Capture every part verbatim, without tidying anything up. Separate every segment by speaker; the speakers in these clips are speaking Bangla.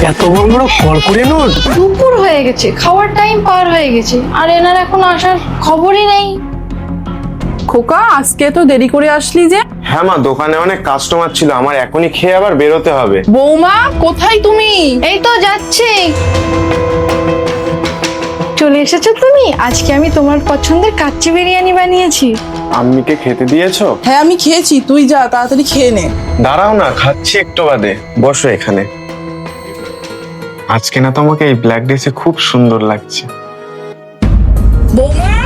Speaker 1: এত বড় বড় কড়কড়ে নোট!
Speaker 2: দুপুর হয়ে গেছে, খাওয়ার টাইম পার হয়ে গেছে, আর এনার এখন আসার খবরই নেই।
Speaker 3: খোকা, আজকে তো দেরি করে আসলি যে?
Speaker 4: হ্যাঁ মা, দোকানে অনেক কাস্টমার ছিল, আমার এখনই খেয়ে আবার বেরোতে হবে।
Speaker 3: বৌমা, কোথায় তুমি?
Speaker 2: এই তো যাচ্ছি। চলে এসেছো তুমি? আজকে আমি তোমার পছন্দের কাচ্চি বিরিয়ানি বানিয়েছি।
Speaker 4: আম্মিকে খেতে দিয়েছো?
Speaker 3: হ্যাঁ, আমি খেয়েছি। তুই যা, তাড়াতাড়ি খেয়ে নে।
Speaker 4: দাঁড়াও না, খাচ্ছি একটু বাদে। বসো এখানে। আজকে না তোমাকে এই ব্ল্যাক ড্রেসে খুব সুন্দর লাগছে।
Speaker 3: বৌমা!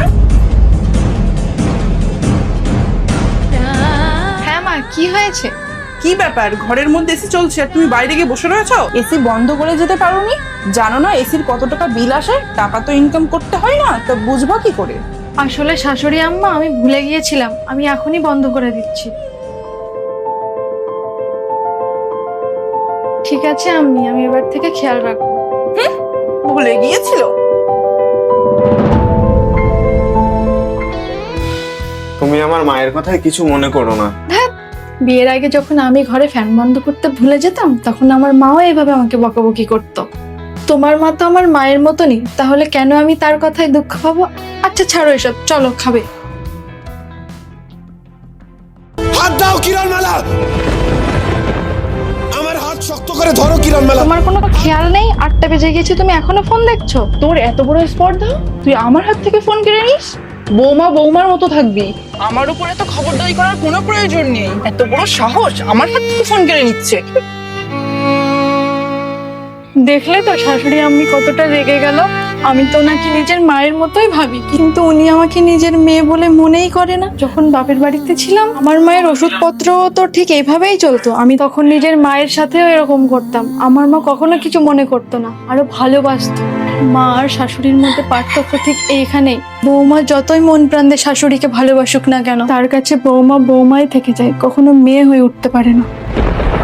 Speaker 2: হ্যাঁ মা, কি হয়েছে?
Speaker 3: কি ব্যাপার, ঘরের মধ্যে এসি চলছে আর তুমি বাইরে গিয়ে বসে রয়েছো? এসি বন্ধ করে যেতে পারোনি? জানো না এসির কত টাকা বিল আসে? টাকা তো ইনকাম করতে হয় না, তো বুঝবা কি করে?
Speaker 2: আসলে শাশুড়ি আম্মা, আমি ভুলে গিয়েছিলাম, আমি এখনই বন্ধ করে দিচ্ছি। ঠিক আছে আম্মি, আমি এবার থেকে খেয়াল রাখবো।
Speaker 3: ভুলে গিয়েছিল?
Speaker 4: তুমি আমার মায়ের কথায় কিছু মনে করো না।
Speaker 2: বিয়ের আগে যখন আমি ঘরে ফ্যান বন্ধ করতে ভুলে যেতাম, তখন আমার মাও এভাবে আমাকে বকাবকি করতো। তোমার মা তো আমার মায়ের মতনই, তাহলে কেন আমি তার কথায় দুঃখ পাবো? আচ্ছা ছাড়ো এসব, চলো খাবে।
Speaker 5: হাত দাও কিরণমালা, আমার হাত শক্ত করে ধরো কিরণমালা।
Speaker 2: তোমার কোনো খেয়াল নেই, আটটা বেজে গেছে, তুমি এখনো ফোন দেখছো?
Speaker 3: তোর এত বড় স্পর্ধা, তুই আমার হাত থেকে ফোন কেড়ে নিস? বৌমা বৌমার মতো থাকবি, আমার উপরে তো খবরদারি করার কোনো প্রয়োজন নেই। এত বড় সাহস, আমার হাত থেকে ফোন কেড়ে নিচ্ছে।
Speaker 2: দেখলে তো শাশুড়ি আম্মি কতটা রেগে গেল। আমি তো ওনাকে নিজের মায়ের মতোই ভাবি, কিন্তু উনি আমাকে নিজের মেয়ে বলে মনেই করে না। যখন বাপের বাড়িতে ছিলাম, আমার মায়ের ওষুধপত্র তো ঠিক এইভাবেই চলতো, আমি তখন নিজের মায়ের সাথেও এরকম করতাম। আমার মা কখনো কিছু মনে করতো না, আরো ভালোবাসতো। মা আর শাশুড়ির মধ্যে পার্থক্য ঠিক এইখানেই। বৌমা যতই মন প্রাণ দিয়ে শাশুড়িকে ভালোবাসুক না কেন, তার কাছে বৌমা বৌমাই থেকে যায়, কখনো মেয়ে হয়ে উঠতে পারে না।